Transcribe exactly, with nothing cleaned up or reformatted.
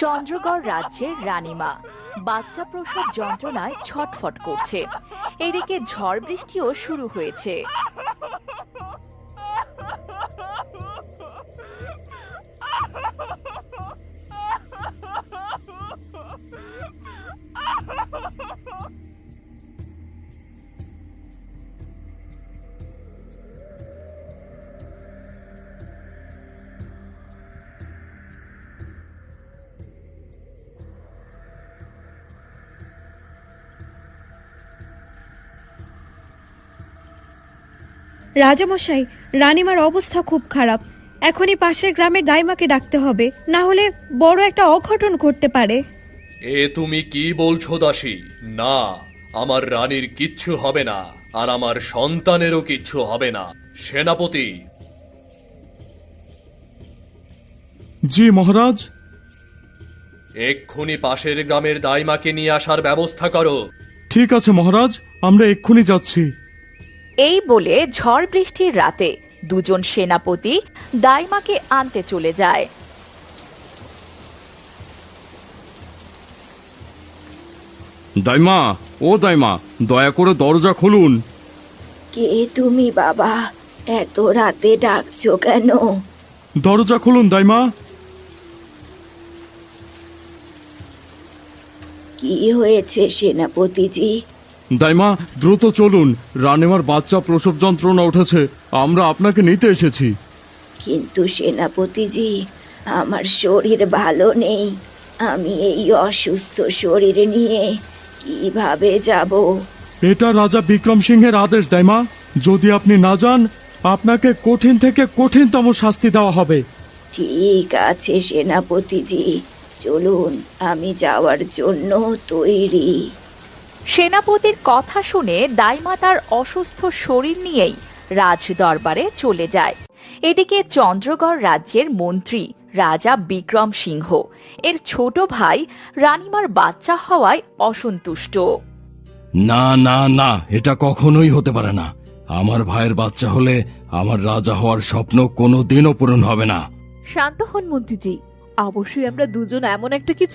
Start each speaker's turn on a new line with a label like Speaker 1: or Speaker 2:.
Speaker 1: চন্দ্রগড় রাজ্যের রানীমা বাচ্চা প্রসব যন্ত্রণায় ছটফট করছে। এদিকে ঝড় বৃষ্টিও শুরু হয়েছে।
Speaker 2: রাজামশাই, রানীমার অবস্থা খুব খারাপ। এখনই পাশের গ্রামের দাইমাকে ডাকতে হবে, না হলে বড় একটা অঘটন ঘটতে পারে।
Speaker 3: এ তুমি কি বলছো দাসী? না, আমার রানীর কিচ্ছু হবে না, আর আমার সন্তানেরও কিচ্ছু হবে না। সেনাপতি।
Speaker 4: জি মহারাজ।
Speaker 3: এক্ষুনি পাশের গ্রামের দাইমাকে নিয়ে আসার ব্যবস্থা করো।
Speaker 4: ঠিক আছে মহারাজ, আমরা এক্ষুনি যাচ্ছি।
Speaker 1: এই বলে ঝড় বৃষ্টির রাতে দুজন সেনাপতি দাইমাকে আনতে চলে যায়।
Speaker 4: দাইমা, ও দাইমা, দয়া করে দরজা খুলুন।
Speaker 5: কে তুমি বাবা? এত রাতে ডাকছো কেন?
Speaker 4: দরজা খুলুন দাইমা।
Speaker 5: কি হয়েছে সেনাপতিজি?
Speaker 4: দাইমা, দ্রুত চলুন, রানীমার বাচ্চা প্রসব যন্ত্রণা উঠেছে, আমরা আপনাকে নিতে এসেছি।
Speaker 5: কিন্তু সেনাপতিজি, আমার শরীর ভালো নেই। আমি এই অসুস্থ শরীর নিয়ে কিভাবে যাব?
Speaker 4: এটা রাজা বিক্রম সিংহের আদেশ দাইমা। যদি আপনি না যান, আপনাকে কঠিন থেকে কঠিনতম শাস্তি দেওয়া হবে।
Speaker 5: ঠিক আছে সেনাপতিজি, চলুন, আমি যাওয়ার জন্য তৈরি।
Speaker 1: সেনাপতির কথা শুনে দাইমা তার অসুস্থ শরীর নিয়েই রাজ দরবারে চলে যায়। এদিকে চন্দ্রগড় রাজ্যের মন্ত্রী রাজা বিক্রম সিংহ এর ছোট ভাই রানীমার বাচ্চা হওয়ায় অসন্তুষ্ট।
Speaker 6: না না না, এটা কখনোই হতে পারে না। আমার ভাইয়ের বাচ্চা হলে আমার রাজা হওয়ার স্বপ্ন কোনো দিনও পূরণ হবে না।
Speaker 7: শান্ত হন মন্ত্রীজি, অবশ্যই আমরা দুজন এমন একটা কিছু